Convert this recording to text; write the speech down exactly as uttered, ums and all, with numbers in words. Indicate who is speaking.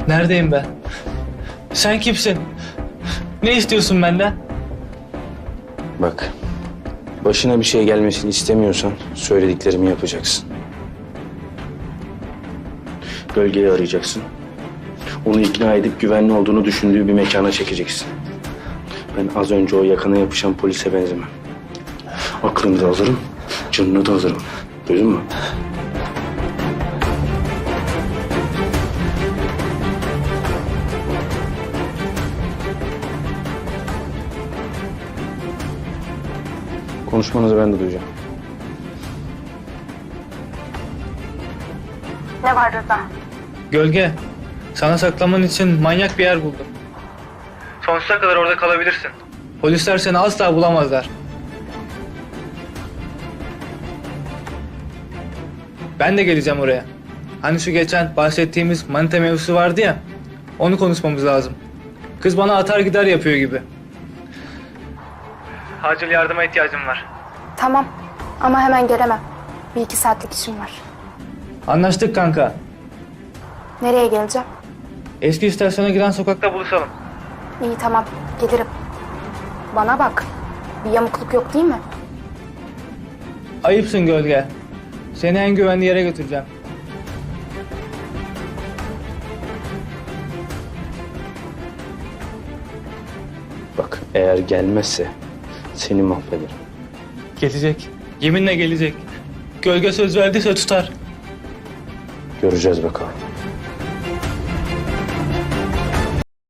Speaker 1: Neredeyim ben? Sen kimsin? Ne istiyorsun benden?
Speaker 2: Bak, başına bir şey gelmesini istemiyorsan söylediklerimi yapacaksın. Gölgeyi arayacaksın. Onu ikna edip güvenli olduğunu düşündüğü bir mekana çekeceksin. Ben az önce o yakana yapışan polise benzemem. Aklını da alırım, canını da alırım. Duydun mu? Konuşmanızı ben de duyacağım.
Speaker 3: Ne var Rıza?
Speaker 1: Gölge, sana saklaman için manyak bir yer buldum. Sonsuza kadar orada kalabilirsin. Polisler seni asla bulamazlar. Ben de geleceğim oraya. Hani şu geçen bahsettiğimiz manita mevzusu vardı ya, onu konuşmamız lazım. Kız bana atar gider yapıyor gibi. Acil yardıma ihtiyacım var.
Speaker 3: Tamam ama hemen gelemem. Bir iki saatlik işim var.
Speaker 1: Anlaştık kanka.
Speaker 3: Nereye geleceğim?
Speaker 1: Eski istasyona giden sokakta buluşalım.
Speaker 3: İyi tamam gelirim. Bana bak. Bir yamukluk yok değil mi?
Speaker 1: Ayıpsın Gölge. Seni en güvenli yere götüreceğim.
Speaker 2: Bak, eğer gelmezse seni mahvederim.
Speaker 1: Gelecek. Yeminle gelecek. Gölge söz verdiyse tutar.
Speaker 2: Göreceğiz bakalım.